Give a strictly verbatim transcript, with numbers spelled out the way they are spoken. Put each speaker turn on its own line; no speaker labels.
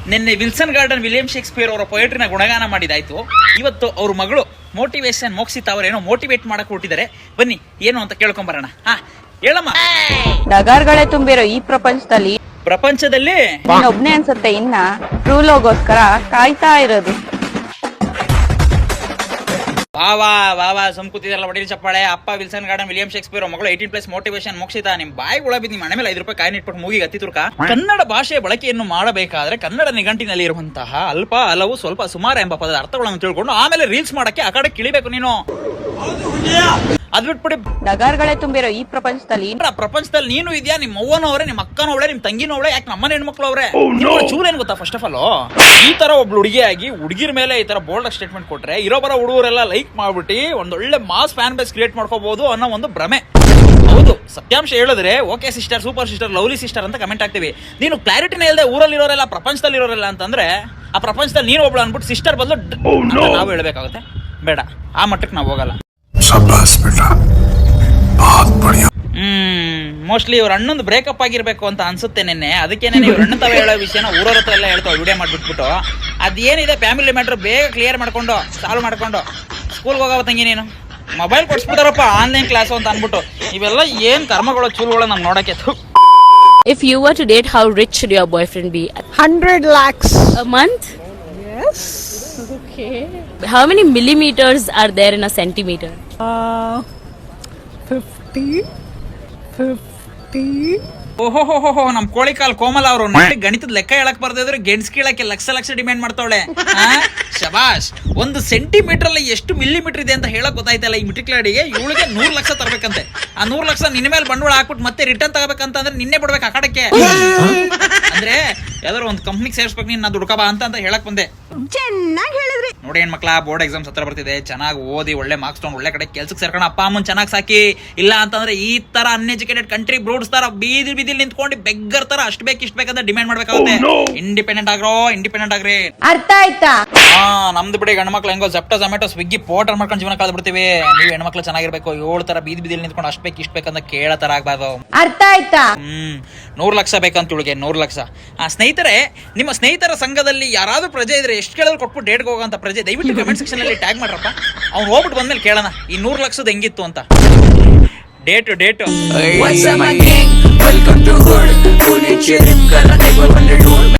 ನಿನ್ನೆ Wilson Garden William Shakespeare ಅವರ ಪೊಯೆಟ್ರಿನ ಗುಣಗಾನ ಮಾಡಿದಾಯ್ತು. ಇವತ್ತು ಅವ್ರ ಮಗಳು ಮೋಟಿವೇಶನ್ ಮೋಕ್ಷಿತ ಅವರೇನೋ ಮೋಟಿವೇಟ್ ಮಾಡಕ್ ಹೊರಟಿದ್ದಾರೆ. ಬನ್ನಿ ಏನು ಅಂತ ಕೇಳ್ಕೊಂಬರೋಣ. ಹಾ ಹೇಳಮ್ಮ.
ನಗರಗಳೇ ತುಂಬಿರೋ ಈ ಪ್ರಪಂಚದಲ್ಲಿ
ಪ್ರಪಂಚದಲ್ಲಿ
ಒಬ್ನೇ ಅನ್ಸುತ್ತೆ ಇನ್ನ ಟ್ರೂ ಲವ್ಗೋಸ್ಕರ ಕಾಯ್ತಾ ಇರೋದು.
ವಾವಾ ವಾವಾ ಸುಮ್ಕೂತಿದಾರಲ್ಲ ಒಡೀರಿ ಚಪ್ಪಾಳೆ. ಅಪ್ಪ ವಿಲ್ಸನ್ ಗಾರ್ಡನ್ ವಿಲಿಯಂ ಶೇಕ್ಸ್ಪಿಯರ್ ಮಗಳು ಏಟೀನ್ ಪ್ಲಸ್ ಮೋಟಿವೇಶನ್ ಮೋಕ್ಷಿತ. ನಿಮ್ ಬಾಯಿ ಒಳ ಬಿದ್ದು ನಿಮ್ಮ ಮನೆ ಮೇಲೆ ಐದು ರೂಪಾಯಿ ಕಾಯಿನ್ ಇಟ್ಬಿಟ್ಟು ಮೂಗಿಗೆ ಹತ್ತಿ ತುರ್ಕ. ಕನ್ನಡ ಭಾಷೆಯ ಬಳಕೆಯನ್ನು ಮಾಡಬೇಕಾದ್ರೆ ಕನ್ನಡ ನಿಘಂಟಿನಲ್ಲಿ ಇರುವಂತಹ ಅಲ್ಪ ಹಲವು ಸ್ವಲ್ಪ ಸುಮಾರು ಎಂಬ ಪದದ ಅರ್ಥಗಳನ್ನು ತಿಳ್ಕೊಂಡು ಆಮೇಲೆ ರೀಲ್ಸ್ ಮಾಡಕ್ಕೆ ಆ ಕಡೆ ಕಿಳಿಬೇಕು ನೀನು. ಅದ್ ಬಿಟ್ಬಿಡಿ.
ನಗರಗಳೇ ತುಂಬಿರೋ ಈ ಪ್ರಪಂಚದಲ್ಲಿ
ಪ್ರಪಂಚದಲ್ಲಿ ನೀನು ಇದೆಯಾ, ನಿಮ್ಮ ಅವ್ವನವ್ರೆ, ನಿಮ್ಮ ಅಕ್ಕನವಳೆ, ನಿಮ್ ತಂಗಿನವಳೆ, ಯಾಕೆ ನಮ್ಮನೆ ಹೆಣ್ಮಕ್ಳು ಅವ್ರೆ. ಚೂರ್ ಏನ್ ಗೊತ್ತಾ, ಫಸ್ಟ್ ಆಫ್ ಆಲ್ ಈ ತರ ಒಬ್ಳು ಹುಡುಗಿಯಾಗಿ ಹುಡುಗಿರ ಮೇಲೆ ಈ ತರ ಬೋಲ್ಡ್ ಸ್ಟೇಟ್ಮೆಂಟ್ ಕೊಟ್ರೆ ಇರೋಬರ ಹುಡುಗರೆಲ್ಲ ಲೈಕ್ ಮಾಡ್ಬಿಟ್ಟು ಒಂದೊಳ್ಳೆ ಮಾಸ್ ಫ್ಯಾನ್ ಬೇಸ್ ಕ್ರಿಯೇಟ್ ಮಾಡ್ಕೋಬಹುದು ಅನ್ನೋ ಒಂದು ಭ್ರಮೆ. ಹೌದು, ಸತ್ಯಾಂಶ ಹೇಳಿದ್ರೆ okay sister, super sister, lovely sister ಅಂತ ಕಮೆಂಟ್ ಆಗ್ತೀವಿ. ನೀನು ಕ್ಲಾರಿಟಿನೇ ಇಲ್ಲದೆ ಊರಲ್ಲಿ ಇರೋರೆಲ್ಲ ಪ್ರಪಂಚದಲ್ಲಿ ಇರೋರೆಲ್ಲ ಅಂತಂದ್ರೆ ಆ ಪ್ರಪಂಚದಲ್ಲಿ ನೀನು ಒಬ್ಳು ಅನ್ಬಿಟ್ಟು ಸಿಸ್ಟರ್ ಬದಲು ನಾವು ಹೇಳ್ಬೇಕಾಗುತ್ತೆ. ಬೇಡ, ಆ ಮಟ್ಟಕ್ಕೆ ನಾವು ಹೋಗಲ್ಲ. ಹ್ಮ್ ಮೋಸ್ಟ್ಲಿ ಇವ್ರ ಅಣ್ಣಂದು ಬ್ರೇಕಪ್ ಆಗಿರ್ಬೇಕು ಅಂತ ಅನ್ಸುತ್ತೆ ನಿನ್ನೆ. ಅದಕ್ಕೇನೆ ನೀವು ಅಣ್ಣ ತಾವ ಹೇಳೋ ವಿಷಯನ ಊರವ್ರ ಹತ್ರ ಎಲ್ಲ ಹೇಳ್ತಾವ ವಿಡಿಯೋ ಮಾಡ್ಬಿಟ್ಬಿಟ್ಟು. ಅದೇನಿದೆ ಫ್ಯಾಮಿಲಿ ಮ್ಯಾಟ್ರ್ ಬೇಗ ಕ್ಲಿಯರ್ ಮಾಡ್ಕೊಂಡು ಸಾಲ್ವ್ ಮಾಡ್ಕೊಂಡು ಸ್ಕೂಲ್ಗೆ ಹೋಗವ ತಂಗಿ ನೀನು ಮೊಬೈಲ್ ಕೊಡ್ಸ್ಬಿಟ್ಟಾರಪ್ಪ ಆನ್ಲೈನ್ ಕ್ಲಾಸ್ ಅಂತ ಅನ್ಬಿಟ್ಟು. ಇವೆಲ್ಲ ಏನ್ ಕರ್ಮಗಳು ಚೂಲ್ಗಳು ನಮ್ಗೆ ನೋಡಕ್ಕೆ.
If you were to date, how rich should your boyfriend be?
one hundred lakhs
A month?
Yes.
Okay. How many millimeters are there in a centimeter?
Uh, fifty. Fifty.
ಓಹೋಹೋಹೋ, ನಮ್ ಕೋಳಿ ಕಾಲ್ ಕೋಮಲ ಅವರು ಗಣಿತದ ಲೆಕ್ಕ ಹೇಳಕ್ ಬರ್ದಿದ್ರೆ ಗೆಣಸ್ ಕೀಳಕ್ಕೆ ಲಕ್ಷ ಲಕ್ಷ ಡಿಮ್ಯಾಂಡ್ ಮಾಡ್ತಾವಳೆ. ಶಬಾಷ್. ಒಂದು ಸೆಂಟಿಮೀಟರ್ ಅಲ್ಲಿ ಎಷ್ಟು ಮಿಲಿಮೀಟರ್ ಇದೆ ಅಂತ ಹೇಳಕ್ ಗೊತ್ತಾಯ್ತಲ್ಲ ಈ ಮಿಟ್ರಿಕ್ಲಾಡಿಗೆ. ಇವಳಿಗೆ ನೂರ್ ಲಕ್ಷ ತರಬೇಕಂತೆ. ಆ ನೂರ್ ಲಕ್ಷ ನಿನ್ನ ಮೇಲೆ ಬಂಡವಾಳ ಹಾಕ್ಬಿಟ್ಟು ಮತ್ತೆ ರಿಟರ್ನ್ ತಗೋಬೇಕಂತ ಅಂದ್ರೆ ನಿನ್ನೆ ಬಿಡ್ಬೇಕು ಆ ಕಡಕ್ಕೆ. ಅಂದ್ರೆ ಯಾವ್ದಾದ್ರು ಒಂದು ಕಂಪ್ನಿಗೆ ಸೇರ್ಸ್ಬೇಕು ನೀನ್, ನಾ ದುಡ್ಕಬ ಅಂತ ಅಂತ ಹೇಳಕ್ ಬಂದೆ.
ಚೆನ್ನಾಗಿ ಹೇಳಿದ್ರಿ
ನೋಡಿ ಹೆಣ್ಮಕ್ಳ, ಬೋರ್ಡ್ ಎಕ್ಸಾಮ್ಸ್ ಹತ್ರ ಬರ್ತಿದೆ, ಚೆನ್ನಾಗಿ ಓದಿ ಒಳ್ಳೆ ಮಾರ್ಕ್ಸ್ ತಗೊಂಡು ಒಳ್ಳೆ ಕಡೆ ಕೆಲ್ಸಕ್ಕೆ ಸೇರ್ಕೊಂಡು ಅಪ್ಪ ಅಮ್ಮನ್ ಚೆನ್ನಾಗಿ ಸಾಕಿ. ಇಲ್ಲ ಅಂತಂದ್ರೆ ಈ ತರ ಅನ್ಎಜುಕೇಟೆಡ್ ಕಂಟ್ರಿ ಬ್ರೂಡ್ಸ್ ತರ ಬೀದಿ ಬೀದಿಲಿ ನಿಂತ್ಕೊಂಡು ಬೆಗ್ಗರ್ ತರ ಅಷ್ಟು ಬೇಕು ಇಷ್ಟ ಬೇಕಂತ ಡಿಮ್ಯಾಂಡ್ ಮಾಡ್ಬೇಕಾಗುತ್ತೆ. ಇಂಡಿಪೆಂಡೆಂಟ್ ಆಗ್ರೋ, ಇಂಡಿಪೆಂಡೆಂಟ್ ಆಗ್ರಿ.
ಅರ್ಥ ಆಯ್ತಾ?
ಹಾ, ನಮ್ದು ಬಿಡಿ ಗಂಡ್ಮಕ್ಳು ಹೆಂಗೋ ಜಪ್ಟೋ ಜೊಮ್ಯಾಟೊ ಸ್ವಿಗ್ಗಿ ಪೋರ್ಟರ್ ಮಾಡ್ಕೊಂಡು ಜೀವನ ಕಳೆದು ಬಿಡ್ತೀವಿ. ನೀವು ಹೆಣ್ಮಕ್ಳು ಚೆನ್ನಾಗಿರ್ಬೇಕು. ಏಳು ತರ ಬೀದಿ ಬೀದಿಲಿ ನಿಂತ್ಕೊಂಡು ಅಷ್ಟು ಬೇಕು ಇಷ್ಟ ಬೇಕಂತ ಕೇಳೋ ತರ ಆಗ್ಬಾರ್ದು.
ಅರ್ಥ ಆಯ್ತಾ?
ಹ್ಮ್ ನೂರ್ ಲಕ್ಷ ಬೇಕಂತ ಇವಳಿಗೆ, ನೂರ್ ಲಕ್ಷ. ಆ ಸ್ನೇಹಿತರೆ, ನಿಮ್ಮ ಸ್ನೇಹಿತರ ಸಂಘದಲ್ಲಿ ಯಾರಾದ್ರೂ ಪ್ರಜೆ ಇದ್ರೆ ಎಷ್ಟು ಕೇಳಿದ್ರು ಕೊಟ್ಬಿಟ್ಟು ಡೇಟ್ಗೆ ಹೋಗೋಂತ ಪ್ರಜೆ ದಯವಿಟ್ಟು ಕಮೆಂಟ್ ಸೆಕ್ಷನ್ ಅಲ್ಲಿ ಟ್ಯಾಗ್ ಮಾಡ್ರಪ್ಪ. ಅವ್ನು ಹೋಗ್ಬಿಟ್ಟು ಬಂದ್ಮೇಲೆ ಕೇಳೋಣ ಈ ನೂರ್ ಲಕ್ಷದ ಹೆಂಗಿತ್ತು ಅಂತ. Date date